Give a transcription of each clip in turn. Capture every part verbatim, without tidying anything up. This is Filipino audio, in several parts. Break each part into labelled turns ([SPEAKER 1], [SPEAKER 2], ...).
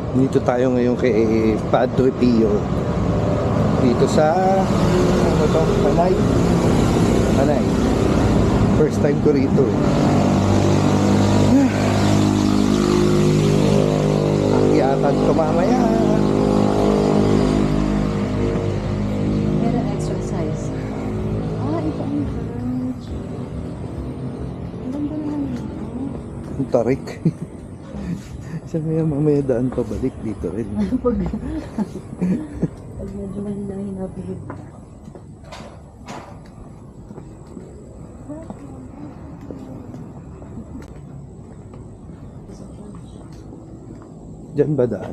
[SPEAKER 1] Dito tayo ngayon kay Padre Pio. Dito sa ano to? Panay. Panay. First time ko rito. Akyatan ko mamaya.
[SPEAKER 2] Pero exercise. Ah, ito ang church. Ang ganda naman dito.
[SPEAKER 1] Ang tarik. Sabi nga mamaya daan pabalik dito rin.
[SPEAKER 2] Pag, pag medyo mahinahin na pilit.
[SPEAKER 1] Diyan ba daan?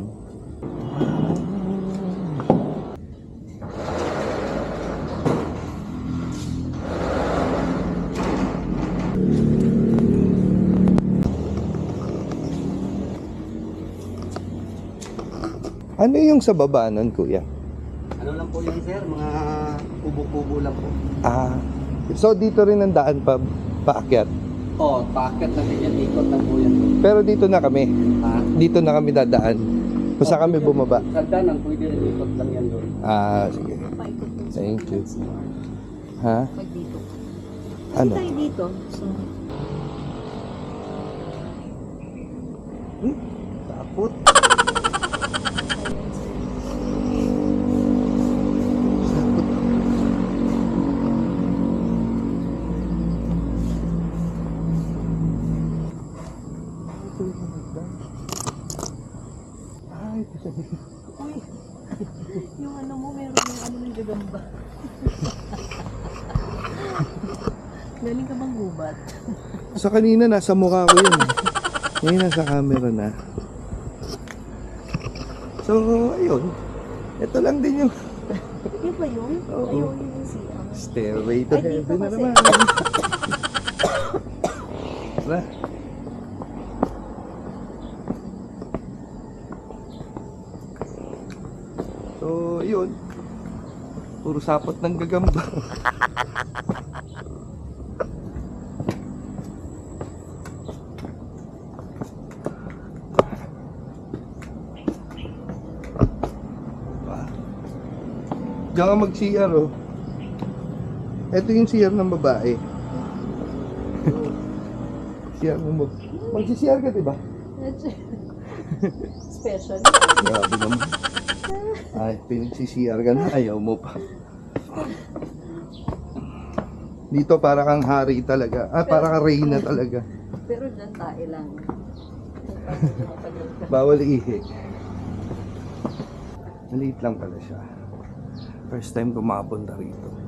[SPEAKER 1] Ano yung sa baba nun, kuya?
[SPEAKER 3] Ano lang po yan, sir? Mga kubo-kubo lang po.
[SPEAKER 1] Ah, so dito rin ang daan pa paakyat.
[SPEAKER 3] Oh, paakyat lang din yan. Ikot lang po yan.
[SPEAKER 1] Pero dito na kami.
[SPEAKER 3] Ha?
[SPEAKER 1] Dito na kami dadaan. Kung saan kami bumaba.
[SPEAKER 3] Sa danan, pwede rin ikot lang yan doon.
[SPEAKER 1] Ah, sige.
[SPEAKER 2] Paikot dun sa
[SPEAKER 1] Thank you.
[SPEAKER 2] C R.
[SPEAKER 1] Ha?
[SPEAKER 2] Pag dito.
[SPEAKER 1] Ano?
[SPEAKER 2] Tayo dito. So,
[SPEAKER 1] Hmm? Takot. Ay,
[SPEAKER 2] uy. Yung ano mo, meron yung ano ng gagamba. Galing ka bang gubat?
[SPEAKER 1] sa kanina nasa mukha ko yun. Ngayon nasa camera na. So, ayun. Ito lang din yung
[SPEAKER 2] Yun ba yun?
[SPEAKER 1] Oo.
[SPEAKER 2] Ayun yung C R.
[SPEAKER 1] stairway to
[SPEAKER 2] Ay, dito
[SPEAKER 1] heaven na
[SPEAKER 2] kasi.
[SPEAKER 1] naman. Tara. So, yun. Puro sapot ng gagamba. Diyan ka mag-C R, oh. Ito yung C R ng babae. C R mo mag... Mag-C R ka, diba?
[SPEAKER 2] Special.
[SPEAKER 1] Grabe naman. Ay, pinag-C R ka na. Ayaw mo pa. Dito para kang hari talaga. Ah, para kang reyna talaga.
[SPEAKER 2] Pero dyan tae lang.
[SPEAKER 1] Bawal ihi. Maliit lang pala siya. First time ko makapunta rito.